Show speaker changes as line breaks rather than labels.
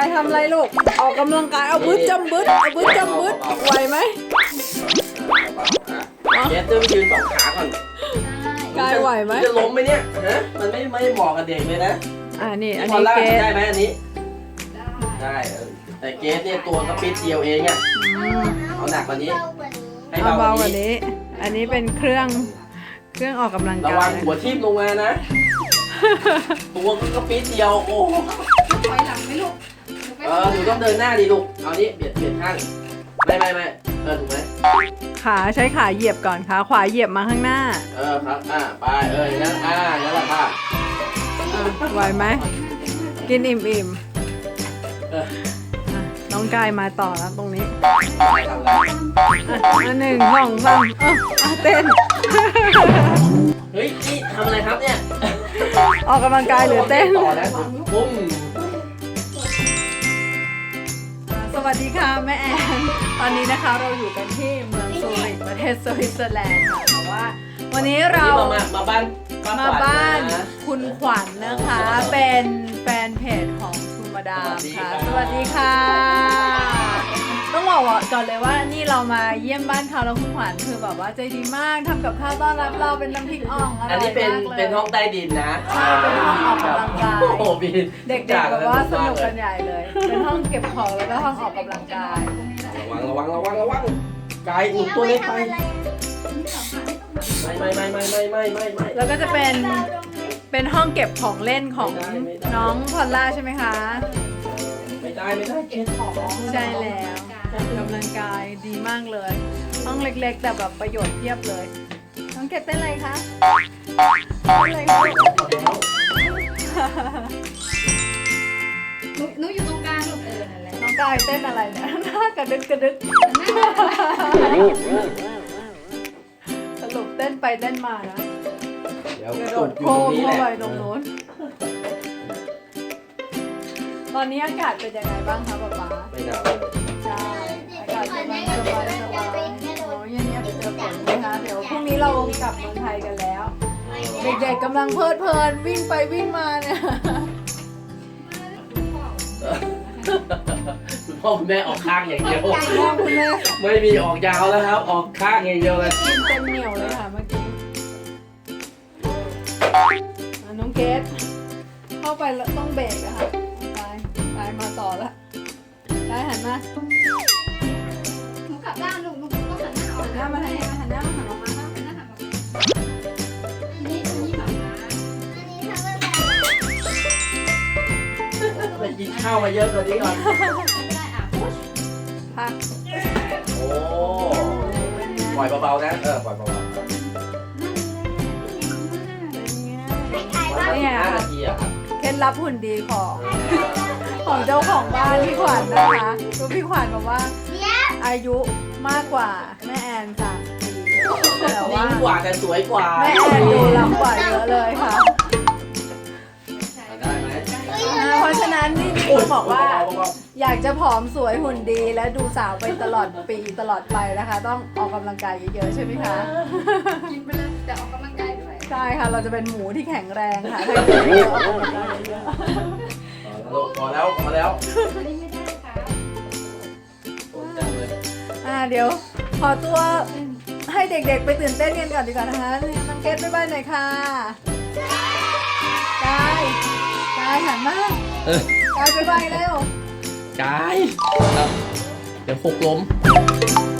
ายทำอะไรลูกออกกำลังกายเอาบึ้ดจำบึ้ดเอาบึ้ดจำบึ้ดไหวไหม
เจ๊ต้องยืน2 ขาก่อน
กายไหวไหม
จะล้มไหมเนี่ยฮะมันไม่เหมาะกับเด็กเลยนะ
นี่อัน
พอ
นี้
ลาก
เกส
ได้ไหมอันนี้ได้แต่เกสเนี่ยตัวกระปิดเดียวเองอ่ะเอาหนักกว่านี้ให้
เอาเบา
เบาก
ว่า
ว่านี้
นี้อันนี้เป็นเครื่องออกกำลัง
ระ
กา
วั
ย
งหัวทิ่มลงมานะตัวกระปิดเดียวโอ้
ถอยหลังไหมลูก
หนูต้องเดินหน้าดิลูกเอานี้เบียดข้างไม่ถูกไหม
ขาใช้ขาเหยียบก่อนขาขวาเหยียบมาข้างหน้า
ครับไปอย่างนั้นอย่างนั้นแหละค่ะ
ไหวไหมกินอิ่มน้องกายมาต่อแล้วตรงนี้1 2 3เต้น
เฮ้ยนี่ทำอะไรครับเนี่ย
ออกกำลังกายหรือเต้น
ต่อแล้วปุ้ม
สวัสดีค่ะแม่แอนตอนนี้นะคะเราอยู่กันที่เมืองซูริกประเทศสวิตเซอร์แลนด์ค่ะแต่ว่าวันนี้เรา
มาบ้าน
คุณขวัญนะคะ เป็นแฟนเพจของทูมาดามค่ะสวัสดีค่ะต้องบอกก่อนเลยว่านี่เรามาเยี่ยมบ้านเขาแล้วคุณขวัญคือแบบว่าใจดีมากทำกับข้าวต้อนรับเราเป็นน้ำพริกอ่องอร่อยมากเลย
อันนี้เป็นห้องใต้ดินนะ
ใช่เป็นห้องออกกำลังกาย
โอ้บิน
เด็กๆแบบว่าสนุกกันใหญ่เลยเป็นห้องเก็บของแล้วก็ห้องออกกำลังกาย
ระวังกายอุ่นตัวเล็กไปไม่
แล้วก็จะเป็นห้องเก็บของเล่นของน้องพอลล่าใช่ไหมคะ
ไม่ได้
เก็บของใช่แล้วออกกำลังกายดีมากเลยห้องเล็กๆแต่แบบประโยชน์เพียบเลยน้องเก็บเต้นอะไรคะเต้นอะไรคะ
หนูอยู่ตรงกลางลูกนั่นแหละ
น้องกายเต้นอะไรเนี่ยหน้ากระดึกสรุปเต้นไปเต้นมานะกระโดดโค้งเข้าไปตรงนู้นตอนนี้อากาศเป็นยังไงบ้างคะป๊าป๊า
ไม่หนาว
ใช่อากาศสบายโอ้ยเย็นๆไปเจอฝนนะคะเดี๋ยวพรุ่งนี้เรากลับเมืองไทยกันแล้วเด็กๆกำลังเพลินวิ่งไปวิ่งมาเนี่ย
คุณพ่อคุณแม่ออกข้างอย่างเดียว
คุณแม่
ไม่มีออกยาวแล้วครับออกข้างอย่างเดียวเลย
กินเต็มเหนียวเลยค่ะเมื่อกี้น้องเกดเข้าไปแล้วต้องเบรกอะค่ะไปมาต่อละได้หันมา
หนูกลับด้านลูกหนูต้องหันหน้าออก
หันหน้ามาทางนี้หันหน้าออกมา
หันหน้าหันออกนี่แบบ
ไปกินข้าวมาเยอะกว่านี้ก่อน
พัก
โอ้ปล่อยเบาๆนะปล่อยเบาๆ
เนี่ย
5 นาทีอะครับ
เคล็ดลับหุ่นดีของเจ้าของบ้านพี่ขวัญนะคะตัวพี่ขวัญบอกว่าอายุมากกว่าแม่แอน3 ปีแต่ว่า
นิ่งกว่าแต่สวยกว่า
แม่แอนดูล้ำกว่าเยอะเลยค่ะ
ได้ไหม
เพราะฉะนั้นนี่บอกว่าอยากจะผอมสวยหุ่นดีและดูสาวไปตลอดปีตลอดไปนะคะต้องออกกำลังกายเยอะๆใช่ไหมคะ
กินไปเลยแต่ออกกำลังกายด้วย
ใช่ค่ะเราจะเป็นหมูที่แข็งแรงค่ะถ้ากินเยอะออกกำลังกายเยอะ
พอแล้ว
อันนี้ไม่ได้ค่ะ
เดี๋ยวขอตัวให้เด็กๆไปตื่นเต้นกันก่อนดีกว่านะคะน้องเกดบ๊ายบายหน่อยค่ะกายหันมากายบ๊ายบายเร็ว
กายเดี๋ยวหกล้ม